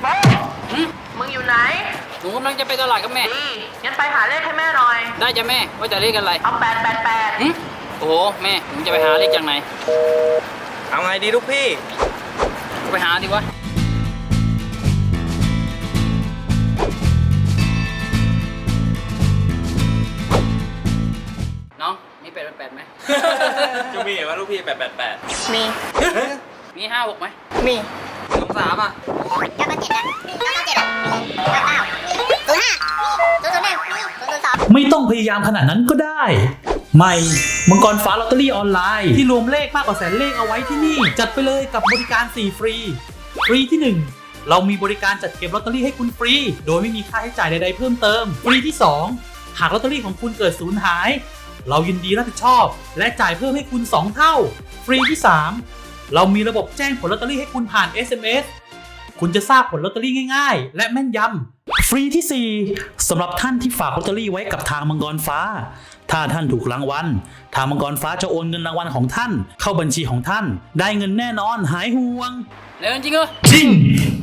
มึงอยู่ไหนหนูกำลังจะไปตลาดกับแม่ดีงั้นไปหาเลขให้แม่หน่อยได้จ้ะแม่ว่าจะเลขอะไรเอา888 โอ้โหแม่หนูจะไปหาเลขจากไหนเอาไงดีลูกพี่ไปหาดีวะน้องมี888ไหมจะมีว่าลูกพี่888 มีมี56ไหมมี 23อ่ะไม่ต้องพยายามขนาดนั้นก็ได้ใหม่มังกรฟ้าลอตเตอรี่ออนไลน์ที่รวมเลขมากกว่าแสนเลขเอาไว้ที่นี่จัดไปเลยกับบริการ4ฟรีที่ 1เรามีบริการจัดเก็บลอตเตอรี่ให้คุณฟรีโดยไม่มีค่าใช้จ่ายใดๆเพิ่มเติมฟรีที่ 2หากลอตเตอรี่ของคุณเกิดสูญหายเรายินดีรับผิดชอบและจ่ายเพิ่มให้คุณ2เท่าฟรีที่ 3เรามีระบบแจ้งผลลอตเตอรี่ให้คุณผ่าน SMS คุณจะทราบผลลอตเตอรี่ง่ายๆและแม่นยำฟรีที่ 4สำหรับท่านที่ฝากลอตเตอรี่ไว้กับทางมังกรฟ้าถ้าท่านถูกรางวัลทางมังกรฟ้าจะโอนเงินรางวัลของท่านเข้าบัญชีของท่านได้เงินแน่นอนหายห่วงแล้วจริงเหรอจริง